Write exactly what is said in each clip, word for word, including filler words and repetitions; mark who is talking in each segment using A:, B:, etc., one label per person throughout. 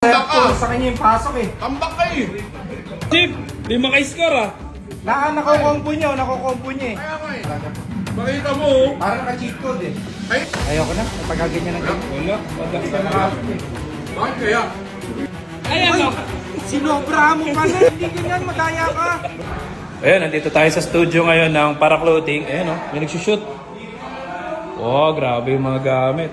A: Tambak ka!
B: Sa kanya yung pasok eh.
A: Tambak ka eh!
C: Chip, di maka-score ah.
B: Na, nakukompo niya, nakukompo niya eh.
A: Kaya ka eh. Makita mo oh.
B: Parang naka-cheat code eh.
A: Ay!
B: Ayoko na, pagkaganyan ng ganyan.
C: Wala, wala.
B: Hindi ka makasok eh.
A: Bakit kaya?
C: Ayan o.
B: Sinobra mo pa na, hindi ganyan, madaya ka.
C: Ayan, nandito tayo sa studio ngayon ng Para Clothing. Ayan o, may nagsushoot. Oh, grabe yung mga gamit.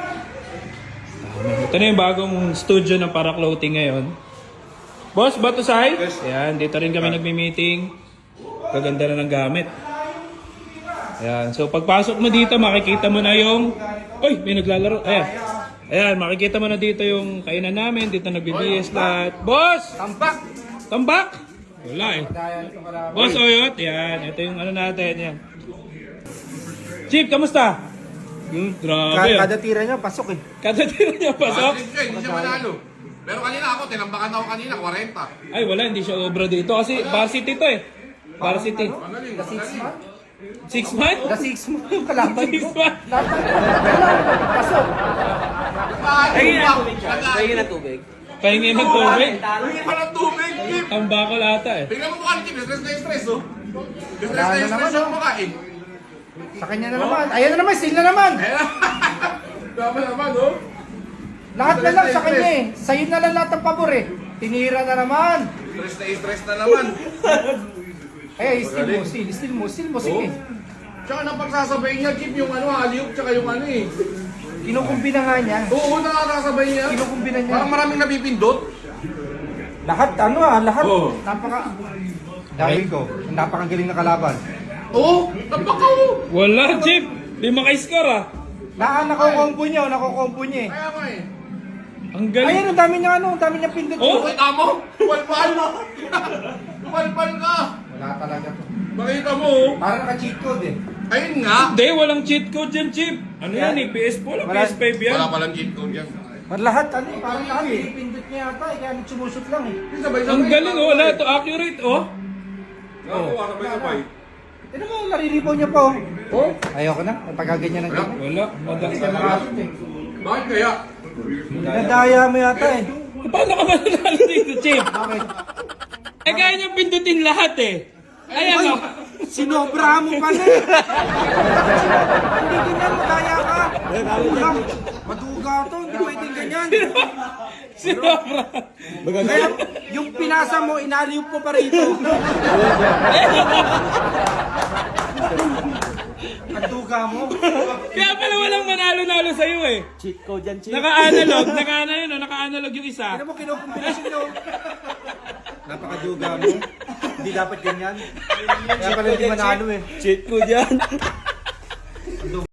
C: Ito na yung bagong studio ng Para Clothing ngayon. Boss, Batusay?
A: Yes.
C: Ayan, dito rin kami nagmi-meeting. Kaganda na ng gamit. Ayan, so pagpasok mo dito, makikita mo na yung... Uy, may naglalaro. Ayan. Ayan, makikita mo na dito yung kainan namin. Dito nagbi-B S lahat. Boss!
B: Tambak!
C: Tambak! Wala eh.
B: Daya nito kalaban.
C: Boss Oyot, yan. Ito yung ano natin, yan. Chief, kamusta? Hmm, grabe.
B: Kada tira niya, pasok eh.
C: Kada tira niya pasok.
A: Bakit siya? Hindi siya manalo. Pero kanina ako, tinambakan ako kanina, forty.
C: Ay, wala. Hindi siya obra dito. Kasi varsity to eh. Varsity.
A: Magaling,
B: The six
A: magaling.
B: month?
C: Six months?
B: The six month yung kalaban
C: Six
B: ko.
C: months?
B: Dapat, wala, pasok.
A: Nagkain
D: na tubig.
C: Pahingi ng tubig.
A: Hindi pa ng tubig, Chip.
C: Ang bako lata eh.
A: Bigla mo mukha ni Chip, stress na stress oh. Stress
B: Wala
A: na
B: na
A: stress
B: naman,
A: yung
B: oh.
A: mukhain.
B: Sa kanya na naman. Ayan na naman, seal na naman.
A: Tama naman oh.
B: Lahat na lang sa kanya eh. Sa'yo na lang lahat ng pabor eh. Tinira na naman.
A: Stress na stress na naman.
B: Eh, steal mo, steal, steal mo, steal mo, sige.
A: Tsaka napagsasabay niya, Chip, yung ano, aliuk, tsaka yung ano eh.
B: Kinukumbina nga niya.
A: Oo, nakakasabay niya.
B: Kinukumbina niya.
A: Parang maraming nabipindot.
B: Lahat, ano ah, lahat.
A: Oo.
B: Napaka... Dahil ko, napakagaling na kalaban.
A: Oo, tambak ka oh.
C: Wala, Chief. Di maka-score ah.
B: Na, nakukompo niya, nakukompo niya eh.
A: Kaya nga eh.
C: Ang galing.
B: Ayan, ang dami niya ano, ang dami niya pindot.
C: Oh?
A: Uy, tamo! Palpal! Palpal ka!
B: Wala talaga to.
A: Makita mo oh.
B: Parang naka-cheat code eh.
A: Ayun nga.
C: Hindi, walang cheat code dyan, Chief. Ano yan eh? P S four o P
B: Wala.
C: S five yan?
A: Wala palang cheat code yan.
B: Par lahat, ano eh, parang lahat eh. Pindot niya yata eh, kaya nagsumusot lang eh.
A: Sabay-sabay.
C: Ang galing oh. Wala ito. Accurate oh.
A: Oo, sabay-sabay.
B: Ano mo, nariribaw niya pa oh.
A: Oh?
B: Ayoko na, pagkaganyan ng ganyan.
C: Wala. Madali.
B: Hindi ka makasok eh.
A: Bakit kaya?
B: Nadaya mo yata eh.
C: Paano ka mananalo dito, Chief?
B: Bakit?
C: Eh, kaya niyang pindutin lahat eh. Ayan oh.
B: Sinobra mo pa na eh. Hindi ganyan, madaya ka. Maduga. Maduga to, hindi pwedeng ganyan.
C: Sinobra.
B: Kaya yung pinasa mo, inaliw po pa rito. Maduga mo.
C: Kaya pala walang manalo-nalo sa'yo eh.
D: Cheat code yan, cheat.
C: Naka-analog. Naka-ano yun oh. Naka-analog yung isa.
B: Ano mo kinukumbinasyon nyo? Napakaduga mo. Hindi dapat ganyan. Kaya pala hindi manalo eh.
D: Cheat code yan.